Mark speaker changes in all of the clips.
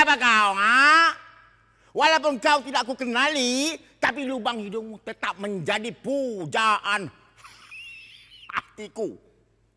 Speaker 1: siapa kau, ha? Walaupun kau tidak aku kenali, tapi lubang hidungmu tetap menjadi pujaan hatiku.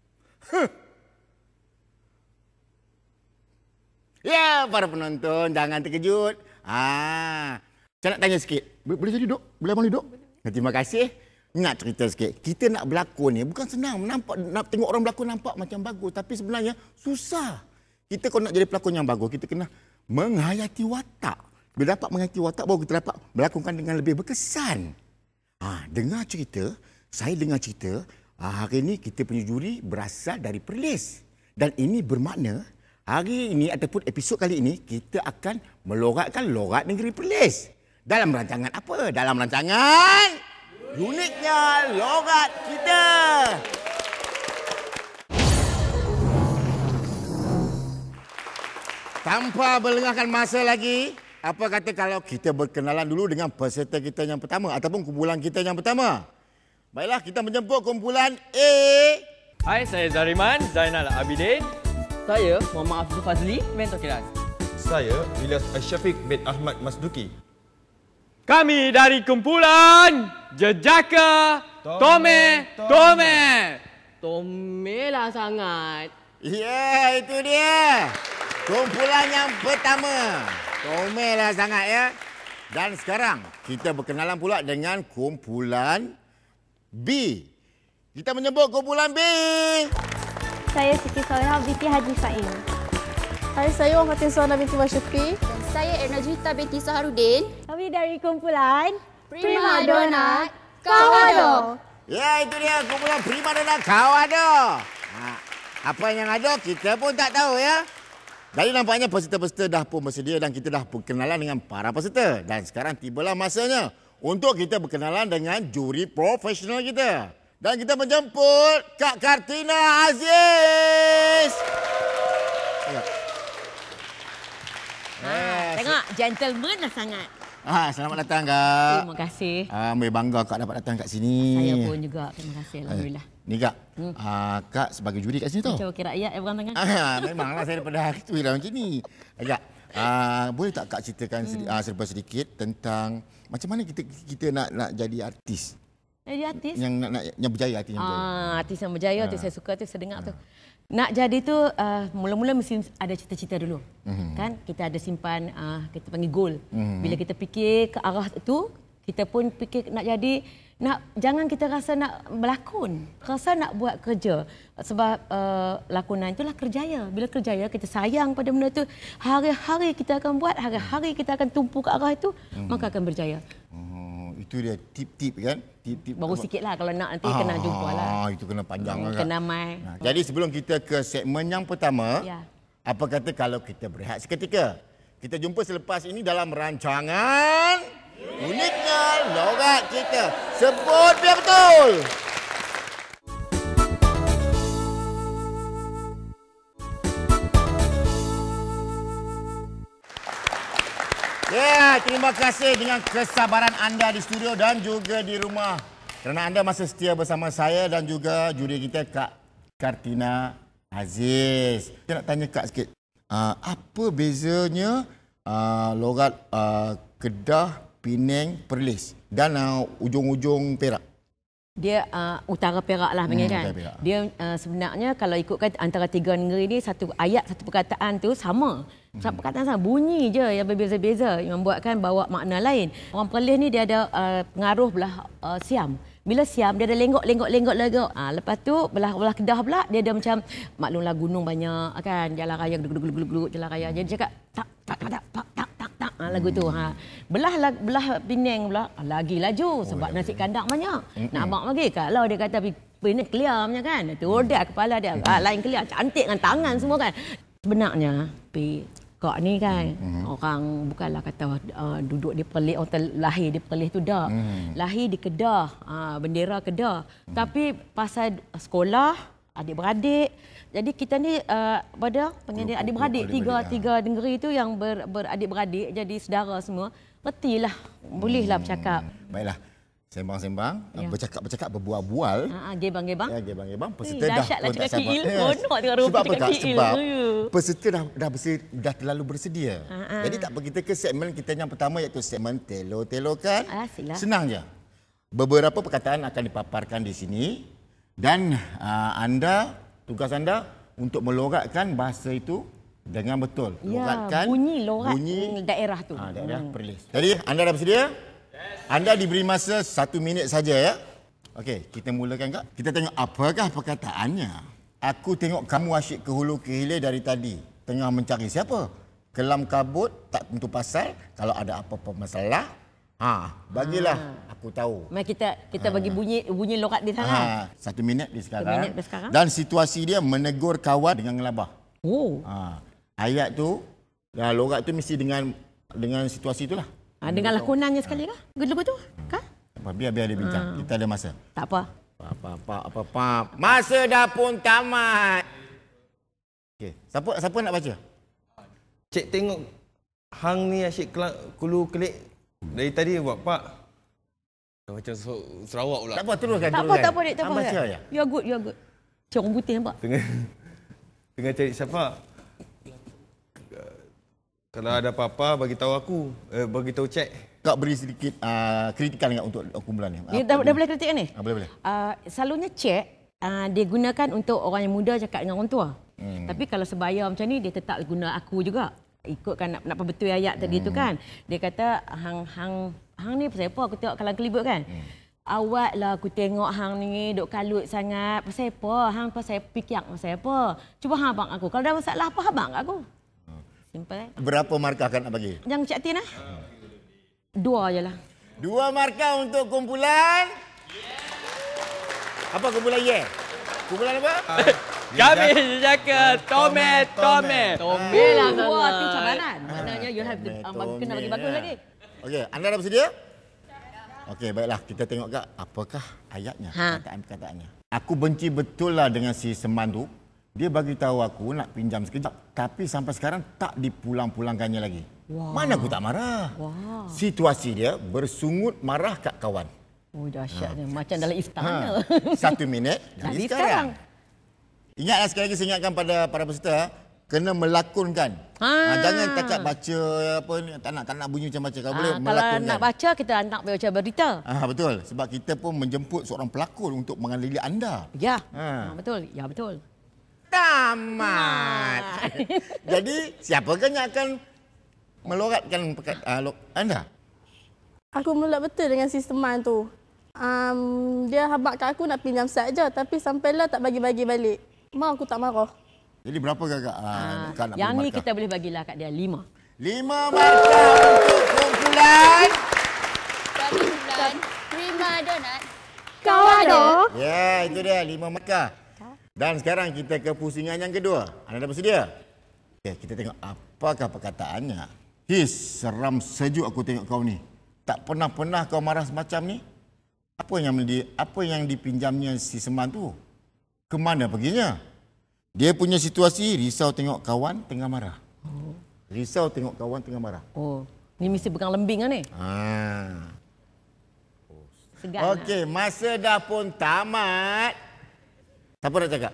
Speaker 1: Ya, para penonton, jangan terkejut. Saya nak tanya sikit. Boleh jadi, Dok? Boleh abang duduk? Terima kasih. Nak cerita sikit. Kita nak berlakon ni bukan senang. Nak tengok orang berlakon nampak macam bagus. Tapi sebenarnya susah. Kita kalau nak jadi pelakon yang bagus, kita kena menghayati watak. Bila dapat menghayati watak, baru kita dapat melakonkan dengan lebih berkesan. Dengar cerita, saya dengar cerita, hari ini kita punya juri berasal dari Perlis. Dan ini bermakna, hari ini ataupun episod kali ini, kita akan meloratkan lorat negeri Perlis. Dalam rancangan apa? Dalam rancangan uniknya lorat kita. Tanpa melengahkan masa lagi, apa kata kalau kita berkenalan dulu dengan peserta kita yang pertama ataupun kumpulan kita yang pertama? Baiklah, kita menjemput kumpulan A.
Speaker 2: Hai, saya Zariman Zainal Abidin.
Speaker 3: Saya Muhammad Afzul Fazli, mentor kilat.
Speaker 4: Saya Ilyas Asyafiq bin Ahmad Masduki.
Speaker 2: Kami dari kumpulan Jejaka Tome.
Speaker 3: Tome lah sangat.
Speaker 1: Ya, itu dia. Kumpulan yang pertama. Comellah sangat ya. Dan sekarang kita berkenalan pula dengan kumpulan B. Kita menyebut kumpulan B.
Speaker 5: Saya Siti Soleha binti Haji Sain.
Speaker 6: Hai, saya Wafatin Suhana binti Masyufi.
Speaker 7: Dan saya Erna Juwita binti Saharudin.
Speaker 5: Kami dari kumpulan
Speaker 7: Prima Donna Kawado.
Speaker 1: Ya, itu dia kumpulan Prima Donna Kawado. Apa yang ada kita pun tak tahu ya. Jadi nampaknya peserta-peserta dah pun bersedia dan kita dah berkenalan dengan para peserta. Dan sekarang tibalah masanya untuk kita berkenalan dengan juri profesional kita. Dan kita menjemput Kak Kartina Aziz.
Speaker 3: Tengok, gentleman lah sangat.
Speaker 1: Selamat datang, Kak.
Speaker 3: Terima kasih.
Speaker 1: Ambil bangga Kak dapat datang kat sini.
Speaker 3: Saya pun juga. Terima kasih. Alhamdulillah.
Speaker 1: Ni Kak, Kak sebagai juri kat sini tau.
Speaker 3: Macam wakil rakyat yang berang tangan.
Speaker 1: Memanglah saya daripada hari tu dah macam ni. Kak, boleh tak Kak ceritakan serba sedikit tentang macam mana kita nak jadi artis?
Speaker 3: Jadi artis?
Speaker 1: Yang berjaya, artis yang berjaya.
Speaker 3: Artis yang berjaya tu saya suka tu, saya dengar tu. Nak jadi tu mula-mula mesti ada cita-cita dulu. Kan? Kita ada simpan, kita panggil goal. Bila kita fikir ke arah tu, kita pun fikir nak jadi, jangan kita rasa nak berlakon. Rasa nak buat kerja. Sebab lakonan itulah kerjaya. Bila kerjaya, kita sayang pada benda tu. Hari-hari kita akan buat, hari-hari kita akan tumpu ke arah itu, maka akan berjaya.
Speaker 1: Itu dia tip-tip kan? Tip-tip.
Speaker 3: Baru sikit lah kalau nak nanti kena jumpa lah.
Speaker 1: Itu kena panjang lah.
Speaker 3: Kena mai.
Speaker 1: Jadi sebelum kita ke segmen yang pertama, apa kata kalau kita berehat seketika? Kita jumpa selepas ini dalam rancangan uniknya lorat kita. Sebut biar betul. Ya, terima kasih dengan kesabaran anda di studio dan juga di rumah. Kerana anda masih setia bersama saya dan juga juri kita Kak Kartina Aziz. Saya nak tanya Kak sikit. Apa bezanya lorat Kedah, Penang, Perlis dan ujung-ujung Perak?
Speaker 3: Dia utara Perak lah panggil kan.
Speaker 1: Perak.
Speaker 3: Dia sebenarnya kalau ikutkan antara tiga negeri ni, satu ayat, satu perkataan tu sama. Satu perkataan sama, bunyi je yang berbeza-beza yang membuatkan bawa makna lain. Orang Perlis ni dia ada pengaruh belah Siam. Bila Siam dia ada lenggok. Lepas tu belah Kedah pula dia ada macam maklumlah gunung banyak kan, jalan raya gluk jalan raya. Jadi dia cakap tak lagu tu. Belah Penang pula lagi laju sebab nasi kandang banyak. Nak abang lagi kalau dia kata Penang clear punya kan. Tu dia kepala dia lain clear, cantik dengan tangan semua kan. Sebenarnya Kak ni kan orang bukanlah kata duduk di Perlis, orang lahir di Perlis tu dah. Lahir di Kedah, bendera Kedah. Tapi pasal sekolah, adik-beradik. Jadi kita ni pada pengen adik-beradik tiga negeri tu yang beradik-beradik jadi saudara semua. Retilah, bolehlah bercakap.
Speaker 1: Baiklah. Sembang-sembang,
Speaker 3: Ya.
Speaker 1: bercakap-bercakap, berbual-bual.
Speaker 3: Gebang-gebang.
Speaker 1: Ya, gebang-gebang. Peserta
Speaker 3: dahsyat lah
Speaker 1: pun tak
Speaker 3: cakap
Speaker 1: sabar.
Speaker 3: KL. Seronok tengok rupa
Speaker 1: Sebab apa,
Speaker 3: cakap
Speaker 1: Kak?
Speaker 3: KL.
Speaker 1: Sebab
Speaker 3: Ya.
Speaker 1: peserta dah terlalu bersedia. Jadi tak apa, kita ke segmen kita yang pertama iaitu segmen telo-telokan.
Speaker 3: Asyiklah.
Speaker 1: Senang je. Beberapa perkataan akan dipaparkan di sini dan tugas anda untuk meloratkan bahasa itu dengan betul.
Speaker 3: Ya, bunyi lorat daerah tu.
Speaker 1: Daerah Perlis. Jadi anda dah bersedia? Anda diberi masa 1 minit saja ya. Okey, kita mulakan Kak. Kita tengok apakah perkataannya. Aku tengok kamu asyik ke hulu ke hilir dari tadi. Tengah mencari siapa? Kelam kabut, tak tentu pasal. Kalau ada apa-apa masalah, bagilah aku tahu.
Speaker 3: Mari kita bagi bunyi lorat di sana.
Speaker 1: 1 minit di sekarang.
Speaker 3: 1 minit di sekarang.
Speaker 1: Dan situasi dia menegur kawan dengan ngelabah.
Speaker 3: Oh.
Speaker 1: Ayat tu, lorat tu mesti dengan situasi itulah.
Speaker 3: Dengan lakonannya sekali kah? Lagu tu? Kah?
Speaker 1: Biar dia bincang. Kita ada masa.
Speaker 3: Tak apa.
Speaker 1: Masa dah pun tamat. Okey, siapa nak baca?
Speaker 4: Cik tengok hang ni asyik kulu kelik dari tadi buat pak. Macam Sarawak pula.
Speaker 1: Tak apa, teruskan.
Speaker 3: Tak apa, Dek. Tak apa.
Speaker 1: Baca ya.
Speaker 3: You are good. Cik orang putih nampak?
Speaker 4: Tengah cari siapa? Kalau ada apa-apa bagi tahu aku, bagi tahu Cik.
Speaker 1: Kau beri sedikit kritikan enggak untuk kumpulan ni?
Speaker 3: Dah boleh kritik ni?
Speaker 1: Boleh.
Speaker 3: Selalunya cek dia gunakan untuk orang yang muda cakap dengan orang tua. Tapi kalau sebaya macam ni dia tetap guna aku juga. Ikutkan nak betul ayat tadi tu kan. Dia kata hang ni pasal apa aku tengok kalang kelibut kan. Awak lah aku tengok hang ni duk kalut sangat. Pasal apa? Hang pasal pikiak pasal apa? Cuba hang abang aku. Kalau ada masalah apa abang aku? Simple.
Speaker 1: Berapa markah kan nak bagi?
Speaker 3: Jangan Cik Tin 2 je lah.
Speaker 1: 2 markah untuk kumpulan. Apa kumpulan ye? Kumpulan apa?
Speaker 2: Kami Jejaka Tome.
Speaker 3: Tome lah sangat. Itu cabaran. Maknanya you have to kena bagi bagus lagi.
Speaker 1: Okey, anda dah bersedia? Okey, baiklah. Kita tengok Kak, apakah ayatnya, perkataan-perkataannya. Aku benci betul lah dengan si Seman tu. Dia bagi tahu aku nak pinjam sekejap, tapi sampai sekarang tak dipulang-pulangkannya lagi. Mana aku tak marah. Situasi dia bersungut marah kat kawan.
Speaker 3: Oh, dahsyatnya. Macam dalam istana.
Speaker 1: 1 minit dari sekarang. Ingatlah sekali lagi saya ingatkan pada para peserta, kena melakonkan. Jangan takat baca apa ni, tak nak bunyi macam baca. Kalau boleh melakonkan.
Speaker 3: Kalau nak baca kita nak baca berita.
Speaker 1: Betul. Sebab kita pun menjemput seorang pelakon untuk mengadili anda.
Speaker 3: Ya. Betul. Ya, betul.
Speaker 1: Tamat. Jadi, siapakah yang akan meloratkan anda?
Speaker 6: Aku melak betul dengan sisteman tu. Dia habaq kat aku nak pinjam set je, tapi sampailah tak bagi-bagi balik. Mak aku tak marah.
Speaker 1: Jadi berapa Kak nak
Speaker 3: yang ni
Speaker 1: markah?
Speaker 3: kita boleh bagilah kat dia 5.
Speaker 1: 5 markah untuk kumpulan.
Speaker 7: Kumpulan Prima Donat.
Speaker 5: Kawado.
Speaker 1: Ya, itu dia 5 markah. Dan sekarang kita ke pusingan yang kedua. Anda dah bersedia? Okay, kita tengok apakah perkataannya. Seram sejuk aku tengok kau ni. Tak pernah kau marah semacam ni. Apa yang dipinjamnya si Seman tu? Kemana perginya? Dia punya situasi risau tengok kawan tengah marah. Risau tengok kawan tengah marah.
Speaker 3: Oh, ni mesti pegang lembing kan ni? Segar.
Speaker 1: Okey, masa dah pun tamat. Siapa nak cakap?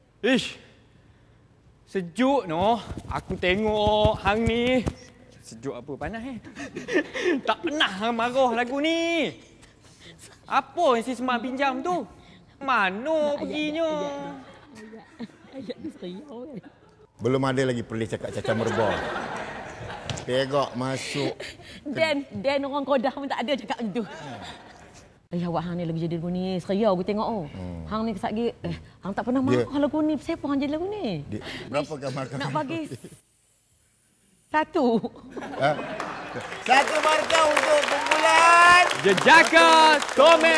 Speaker 2: Sejuk noh. Aku tengok hang ni. Sejuk apa panas Tak pernah hang marah lagu ni. Apa yang si Seman pinjam tu? Mana perginya?
Speaker 3: Ayat ni seriau kan?
Speaker 1: Belum ada lagi Perlis cakap cacah merbau. Pegok masuk.
Speaker 3: Dan orang Kodah pun tak ada cakap macam tu. Awak hang ni lagi jadi lagu ni. Seriau aku tengok Hang ni kesat lagi. Hang tak pernah marah lagu ni. Siapa hang jadi lagu ni?
Speaker 1: Berapa markah?
Speaker 3: Nak bagi 1.
Speaker 1: 1 markah untuk kumpulan
Speaker 2: Jejaka Tome.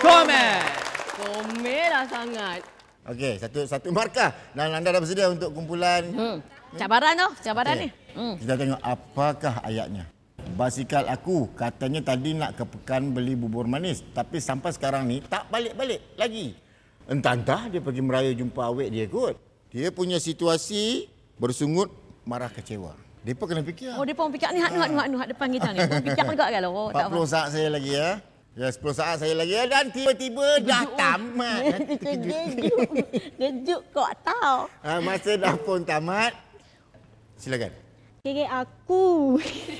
Speaker 3: Tome lah sangat.
Speaker 1: Okey, satu markah. Dan anda dah bersedia untuk kumpulan
Speaker 3: Cabaran ni.
Speaker 1: Kita tengok apakah ayatnya. Basikal aku katanya tadi nak ke Pekan beli bubur manis, tapi sampai sekarang ni tak balik-balik lagi. Entah dia pergi meraya jumpa awek dia kot. Dia punya situasi bersungut marah kecewa. Depa kena fikir.
Speaker 3: Oh, depa fikir ni hak depan kita ni. Depa fikir juga kan.
Speaker 1: 40 saat saya lagi ya. Ya, 10 saat saya lagi dan tiba-tiba dah tamat.
Speaker 5: Kejut kok tahu.
Speaker 1: Masa dah pun tamat. Silakan.
Speaker 5: Kira aku.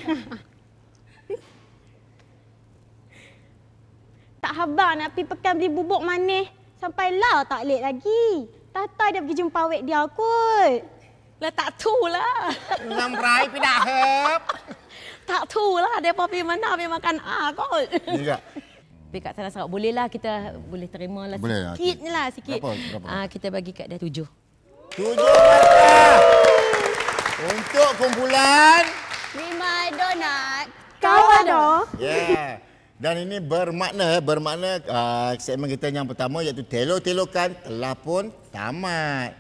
Speaker 5: Tak habar nak pergi pekan beli bubuk manis. Sampailah tak late lagi. Tata dia pergi jumpa awek dia kot.
Speaker 3: Lah tak tu lah.
Speaker 1: Ngam rai pi dah hep.
Speaker 3: Tak tu lah. Dia pergi mana pergi makan kot.
Speaker 1: Juga.
Speaker 3: Tapi kat sana Sarawak boleh lah kita boleh terima lah
Speaker 1: Boleh,
Speaker 3: sikit ni lah sikit.
Speaker 1: Berapa?
Speaker 3: Kita bagi kat dia 7.
Speaker 1: 7 markah. Untuk kumpulan.
Speaker 7: Rima Donat.
Speaker 5: Kawan dah.
Speaker 1: Yeah. Dan ini bermakna segmen kita yang pertama iaitu telok-telokan telah pun tamat.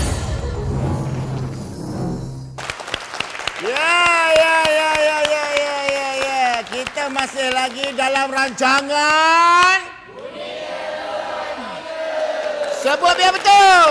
Speaker 1: Ya. Kita masih lagi dalam rancangan. Sebut biar betul.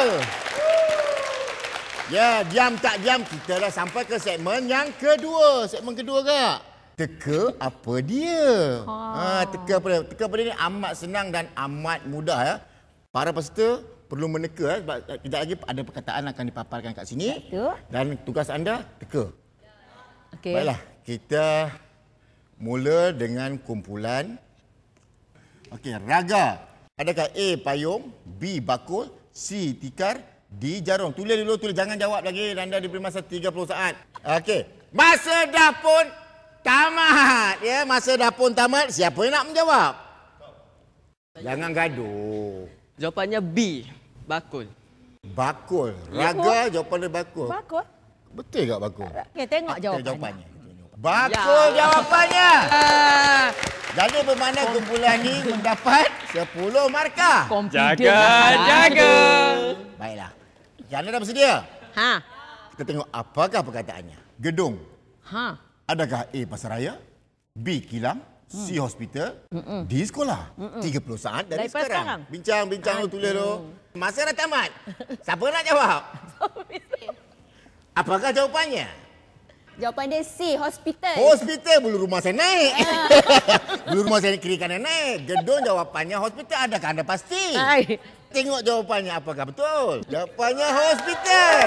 Speaker 1: Ya, diam tak diam kita dah sampai ke segmen yang kedua. Segmen kedua kak. Teka apa dia? Teka apa dia? Teka apa dia ni amat senang dan amat mudah ya. Para peserta perlu meneka sebab kejap lagi ada perkataan akan dipaparkan kat sini.
Speaker 3: Betul.
Speaker 1: Dan tugas anda teka.
Speaker 3: Okey.
Speaker 1: Baiklah, kita mula dengan kumpulan. Okey, raga. Adakah A payung, B bakul, C tikar, D jarum? Tulis dulu, tulis. Jangan jawab lagi. Anda diberi masa 30 saat. Okey. Masa dah pun tamat. Ya, masa dah pun tamat. Siapa yang nak menjawab? Jangan gaduh.
Speaker 2: Jawapannya B. Bakul.
Speaker 1: Bakul. Raga jawapan dia bakul.
Speaker 3: Bakul.
Speaker 1: Betul tak bakul?
Speaker 3: Okey, tengok
Speaker 1: Okey,
Speaker 3: jawapannya.
Speaker 1: Bakul jawapannya. Jadi bermakna kumpulan ni mendapat 10 markah.
Speaker 2: Jaga.
Speaker 1: Baiklah. Anda dah bersedia?
Speaker 3: Ha.
Speaker 1: Kita tengok apakah perkataannya. Gedung.
Speaker 3: Ha.
Speaker 1: Adakah A pasaraya, B kilang, C hospital, D sekolah? 30 saat dari
Speaker 3: Daripada
Speaker 1: sekarang. Bincang lu tulis tu. Masa dah tamat. Siapa nak jawab? Apakah jawapannya?
Speaker 7: Jawapan dia C. Hospital.
Speaker 1: Hospital, bulu rumah saya naik. Bulu rumah saya kiri kanan naik. Gedung jawapannya hospital. Adakah anda pasti?
Speaker 3: Hai.
Speaker 1: Tengok jawapannya apakah betul. Jawapannya hospital.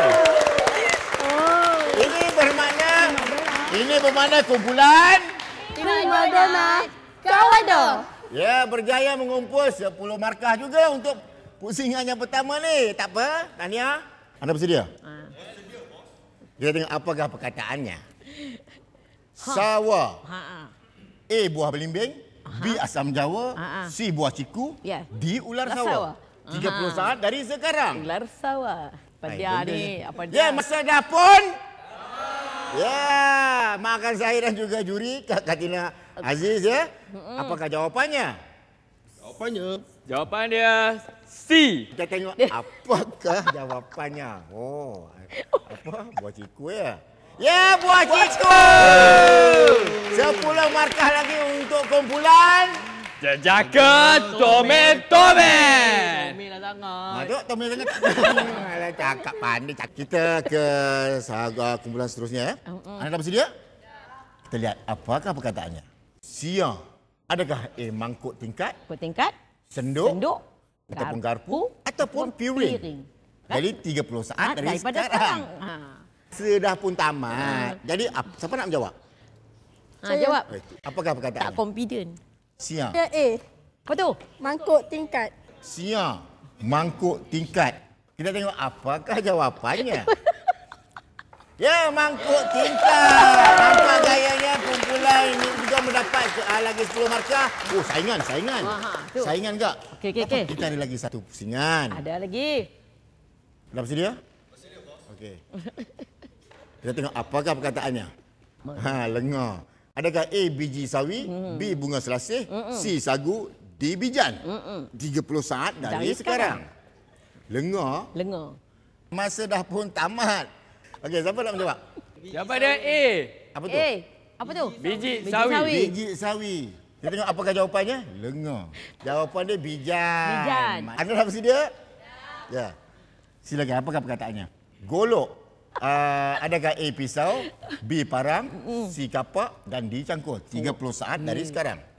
Speaker 1: Ini bermakna kumpulan.
Speaker 7: Rima Donat. Kawan dah.
Speaker 1: Ya, berjaya mengumpul 10 markah juga untuk pusingan yang pertama ni. Tak apa, Tania. Anda bersedia? Kita tengok apakah perkataannya. Sawa. A buah belimbing, B asam jawa, C buah ciku,
Speaker 3: Ya.
Speaker 1: D ular sawa. 30 saat dari sekarang.
Speaker 3: Ular sawah. Apa dia ni? Apa dia?
Speaker 1: Ya, masa dah pun. Ya, makan saya dan juga juri Kak Katina Aziz ya. Apakah jawapannya?
Speaker 2: Jawapan dia C.
Speaker 1: Kita tengok apakah jawapannya. Oh, apa? Buah ciku ya? Ya, buah ciku! 10 markah lagi untuk kumpulan.
Speaker 2: Jaga Tomen.
Speaker 3: Mila sangat.
Speaker 1: Duk, Tommy sangat. Alah, cakap pandai. Kita ke kumpulan seterusnya. Anda dah bersedia? Kita lihat apakah perkataannya. Siang. Adakah A mangkuk tingkat,
Speaker 3: Tingkat.
Speaker 1: senduk,
Speaker 3: Senduk.
Speaker 1: ataupun garpu, ataupun piring? Jadi 30 saat dari
Speaker 3: Daripada
Speaker 1: sekarang.
Speaker 3: sekarang.
Speaker 1: Sudah pun tamat. Jadi siapa nak menjawab?
Speaker 3: Jawab.
Speaker 1: Apakah
Speaker 3: Tak
Speaker 1: perkataannya?
Speaker 3: confident.
Speaker 1: Siang.
Speaker 6: Dia A.
Speaker 3: Apa tu?
Speaker 6: Mangkuk tingkat.
Speaker 1: Siang. Mangkuk tingkat. Kita tengok apakah jawapannya. Ya, mangkuk tingkat. Nampak gayanya kumpulan ini juga mendapat lagi 10 markah. Oh, saingan.
Speaker 3: Tu.
Speaker 1: Saingan tak?
Speaker 3: Okey.
Speaker 1: Kita ada lagi satu pusingan.
Speaker 3: Ada lagi.
Speaker 1: Dah bersedia? Bersedia, bos. Okey. Kita tengok apakah perkataannya. Lengar. Adakah A biji sawi, B bunga selasih, C sagu, D bijan? 30 saat dari sekarang. Lengar. Masa dah pun tamat. Okey, siapa nak menjawab?
Speaker 2: Jawapan dia A.
Speaker 1: Apa tu?
Speaker 3: Apa tu?
Speaker 2: Biji sawi.
Speaker 1: Biji sawi. Kita tengok apakah jawapannya? Lengar. Jawapan dia bijan. Anda dah bersedia? Ya. Silakan, apakah perkataannya? Golok. Adakah A pisau, B parang, C kapak dan D cangkul? 30 saat dari sekarang.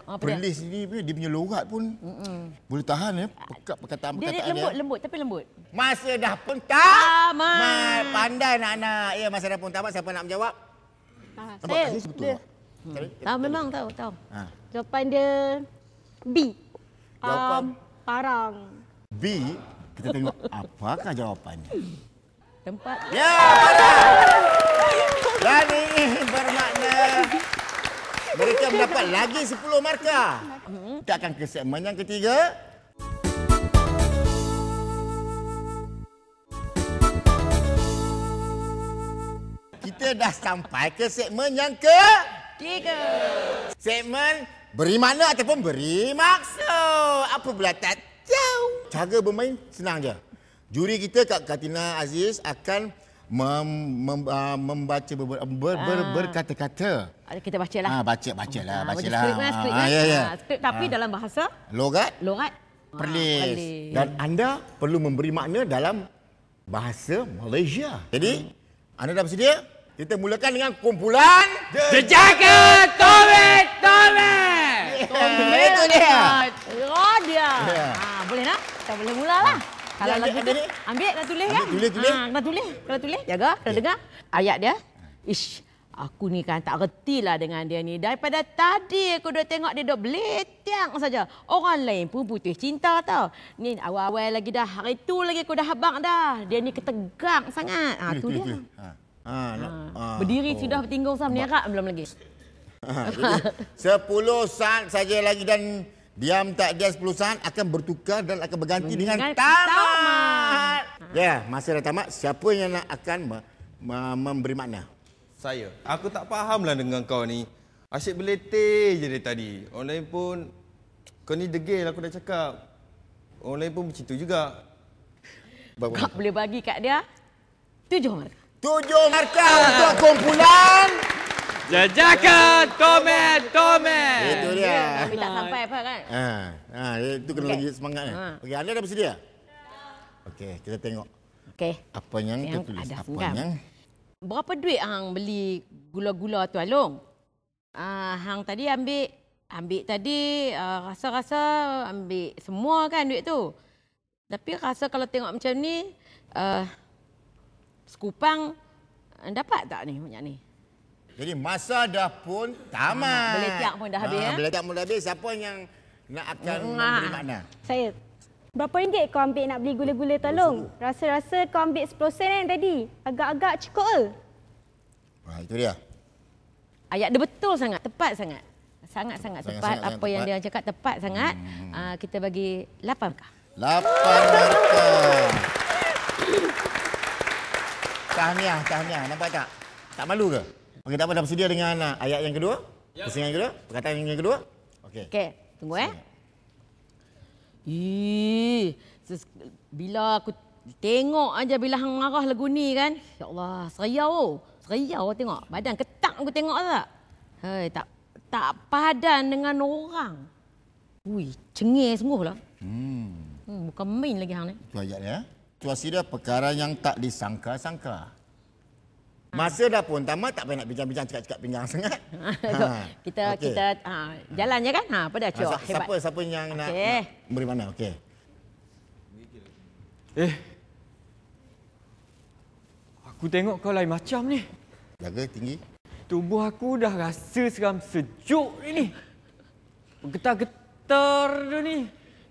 Speaker 3: Apa dia?
Speaker 1: Perlis ni dia punya logat pun boleh tahan ya. Perkataan-perkataan
Speaker 3: Dia lembut tapi lembut.
Speaker 1: Masa dah pun tamat.
Speaker 3: Tamat.
Speaker 1: Pandai nak-nak. Ya, masa dah pun tamat. Siapa nak menjawab? Nampak
Speaker 5: Saya.
Speaker 1: tadi betul tak?
Speaker 3: Tahu memang tahu.
Speaker 1: Ha.
Speaker 5: Jawapan dia B.
Speaker 1: Jawapan
Speaker 5: Parang.
Speaker 1: B. Kita tengok apakah jawapannya.
Speaker 3: Tempat.
Speaker 1: Ya, benar. Dan ini bermakna mereka mendapat lagi 10 markah. Kita akan ke segmen yang ketiga. Kita dah sampai ke segmen yang
Speaker 3: Tiga.
Speaker 1: segmen beri makna ataupun beri maksud. Apa pula tak tahu. Cara bermain senang je. Juri kita Kak Katina Aziz akan membaca berkata-kata.
Speaker 3: Kita bacalah.
Speaker 1: Bacalah.
Speaker 3: Skrip
Speaker 1: Ya.
Speaker 3: skrip tapi dalam bahasa
Speaker 1: Logat
Speaker 3: logat
Speaker 1: Perlis. Dan anda perlu memberi makna dalam bahasa Malaysia. Jadi, anda dah bersedia? Kita mulakan dengan kumpulan
Speaker 2: Jejaka Tomet!
Speaker 1: Itu dia.
Speaker 3: Oh dia.
Speaker 1: Ya.
Speaker 3: Boleh nak? Kita boleh mulalah. Kalau
Speaker 1: Ya,
Speaker 3: lagu
Speaker 1: ada
Speaker 3: tu
Speaker 1: ni?
Speaker 3: ambil dah tulis kan?
Speaker 1: Tulis.
Speaker 3: Kena tulis. Jaga, kena dengar. Ayat dia. Ish, aku ni kan tak reti lah dengan dia ni. Daripada tadi aku dah tengok dia duk beletiang saja. Orang lain pun putus cinta tau. Ni awal-awal lagi dah. Hari tu lagi aku dah habang dah. Dia ni ketegang sangat. Tu dia. Berdiri sudah bertinggung sama menerak belum lagi.
Speaker 1: Jadi 10 saat saja lagi dan diam tak dia 10 saat akan bertukar dan akan berganti dengan tamat. Ya, masa dah tamat. Siapa yang nak akan memberi makna?
Speaker 4: Saya. Aku tak fahamlah dengan kau ni. Asyik beletih je dari tadi. Orang lain pun, kau ni degil aku dah cakap. Orang lain pun macam tu juga.
Speaker 3: Kau boleh bagi kat dia 7 markah.
Speaker 1: 7 markah untuk kumpulan.
Speaker 2: Jejaka Tomet!
Speaker 1: Itu dia.
Speaker 3: Tapi tak sampai apa kan?
Speaker 1: Itu kena lagi semangat. Okey, anda dah bersedia? Okey, kita tengok
Speaker 3: Okey.
Speaker 1: apa yang
Speaker 3: Yang
Speaker 1: tertulis.
Speaker 3: ada
Speaker 1: Apa
Speaker 3: seram.
Speaker 1: yang
Speaker 3: Berapa duit hang beli gula-gula tu Along? Hang tadi ambil tadi rasa-rasa ambil semua kan duit tu. Tapi rasa kalau tengok macam ni sekupang dapat tak ni banyak ni?
Speaker 1: Jadi masa dah pun tamat.
Speaker 3: Beletiak pun dah habis, ya?
Speaker 1: Beletiak pun dah habis. Siapa yang nak akan memberi makna?
Speaker 5: Saya. Berapa ringgit kau ambil nak beli gula-gula tolong? Rasa-rasa kau ambil 10 sen kan tadi. Agak-agak cukup ke?
Speaker 1: Itu dia.
Speaker 3: Ayat dia betul sangat, tepat sangat. Sangat-sangat tepat.
Speaker 1: Sangat
Speaker 3: Apa yang
Speaker 1: tepat.
Speaker 3: dia cakap tepat sangat. Kita bagi 8 markah.
Speaker 1: 8 markah. Tahniah. Nampak tak? Tak malu ke? Okey, tak apa, dah bersedia dengan ayat yang kedua? Pusingan yang kedua? Perkataan yang kedua? Okey.
Speaker 3: Okey, tunggu bila aku tengok aja bila hang marah lagu ni kan. Ya Allah, seriau tengok. Badan ketak aku tengok tak? Hei, tak padan dengan orang. Ui, cengih sungguh lah. Bukan main lagi hang ni.
Speaker 1: Itu ayat dia. Situasi dia perkara yang tak disangka-sangka. Masa dah pun tamat, tak payah nak bincang-bincang cakap-cakap pinggang sangat.
Speaker 3: Kita jalan je kan? Apa dah cuak? Hebat.
Speaker 1: Siapa yang nak beri mana? Okey.
Speaker 2: Aku tengok kau lain macam ni.
Speaker 1: Jaga tinggi.
Speaker 2: Tubuh aku dah rasa seram sejuk ni. Bergetar-getar dia ni.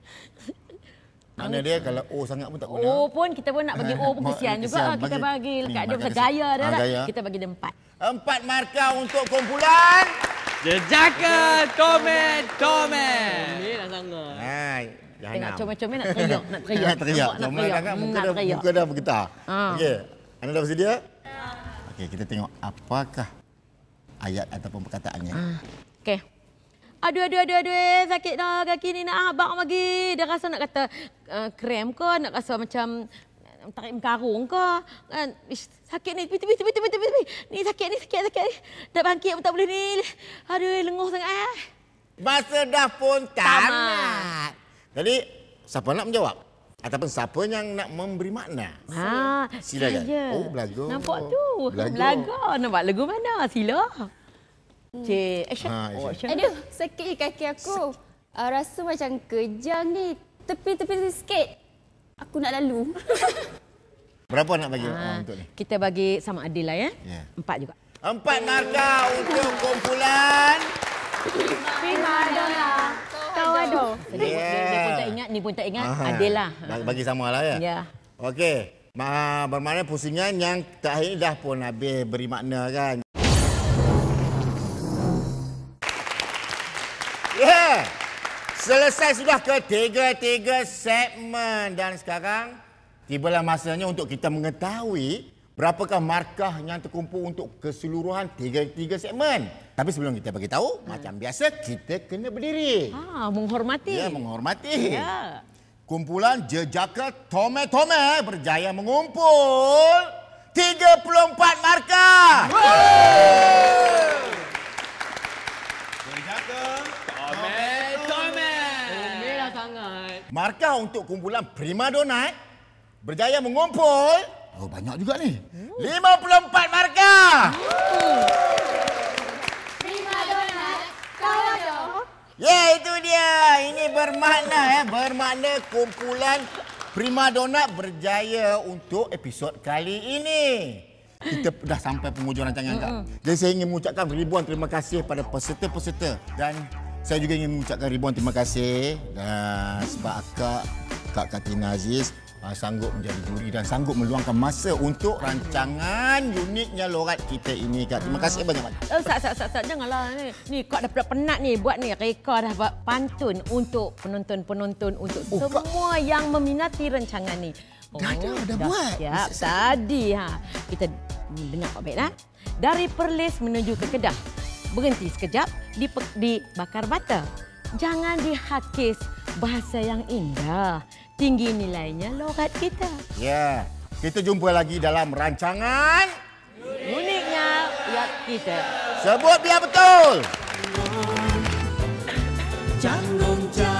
Speaker 1: Mana dia kalau O sangat pun tak guna.
Speaker 3: O pun kita pun nak bagi O pun kesian juga. Kita bagi dekat dia pasal gaya dia lah. Kita bagi dia 4.
Speaker 1: 4 markah untuk kumpulan.
Speaker 2: Jejaka Tomet!
Speaker 3: Ni dah sangat.
Speaker 1: Jangan
Speaker 3: Tengok comel-comel nak teriak.
Speaker 1: Nak teriak. Muka dah bergetar. Okey. Anda dah bersedia? Okey, kita tengok apakah ayat ataupun perkataannya.
Speaker 3: Okey. Aduh, sakit dah kaki ni nak habang lagi. Dia rasa nak kata krem ke, nak rasa macam tarik karung ke. Ish, sakit ni, tepi. Ni sakit ni. Dah bangkit pun tak boleh ni. Aduh, lenguh sangat.
Speaker 1: Masa dah pun tamat. Jadi, siapa nak menjawab? Ataupun siapa yang nak memberi makna?
Speaker 3: saya.
Speaker 1: Silakan. Oh, belaga.
Speaker 3: Nampak tu. Belaga. Nampak lagu mana? Sila. Cik, action.
Speaker 1: Ha,
Speaker 3: Action.
Speaker 7: Aduh, sakit je kaki aku. Rasa macam kejang ni. Tepi-tepi sikit. Aku nak lalu.
Speaker 1: Berapa nak bagi untuk ni?
Speaker 3: Kita bagi sama adil lah ya.
Speaker 1: Ya.
Speaker 3: 4 juga.
Speaker 1: 4 markah untuk kumpulan.
Speaker 5: Primadona. Kawado.
Speaker 3: Dia pun tak ingat, ni pun tak ingat. Adil lah.
Speaker 1: Bagi sama lah ya?
Speaker 3: Ya.
Speaker 1: Okey. Bermakna pusingan yang terakhir dah pun habis beri makna kan. Ya. Selesai sudah ketiga-tiga segmen dan sekarang tibalah masanya untuk kita mengetahui berapakah markah yang terkumpul untuk keseluruhan tiga segmen. Tapi sebelum kita bagi tahu, macam biasa kita kena berdiri.
Speaker 3: Menghormati.
Speaker 1: Ya, menghormati.
Speaker 3: Ya.
Speaker 1: Kumpulan Jejaka Tome-Tome berjaya mengumpul 34 markah.
Speaker 4: Jejaka
Speaker 2: Tome. Merah sangat.
Speaker 1: Markah untuk kumpulan Primadona berjaya mengumpul banyak juga ni. 54 markah.
Speaker 5: Primadona. Kawado.
Speaker 1: Ya, itu dia. Ini bermakna kumpulan Primadona berjaya untuk episod kali ini. Kita dah sampai penghujung rancangan Kak. Jadi saya ingin mengucapkan ribuan terima kasih pada peserta-peserta dan saya juga ingin mengucapkan ribuan terima kasih sebab Kak Katina Aziz sanggup menjadi juri dan sanggup meluangkan masa untuk rancangan uniknya lorat kita ini, Kak. Terima kasih banyak-banyak.
Speaker 3: Sat, janganlah ni. Ni Kak dah penat ni buat ni reka dah buat pantun untuk penonton-penonton untuk semua yang meminati rancangan ni.
Speaker 1: Dah buat.
Speaker 3: Siap. Tadi kita dengar baik-baik Dari Perlis menuju ke Kedah. Berhenti sekejap di Bakar Bata. Jangan dihakis bahasa yang indah. Tinggi nilainya logat kita.
Speaker 1: Ya, kita jumpa lagi dalam rancangan
Speaker 3: Uniknya logat kita.
Speaker 1: Sebut biar betul.
Speaker 8: Jangan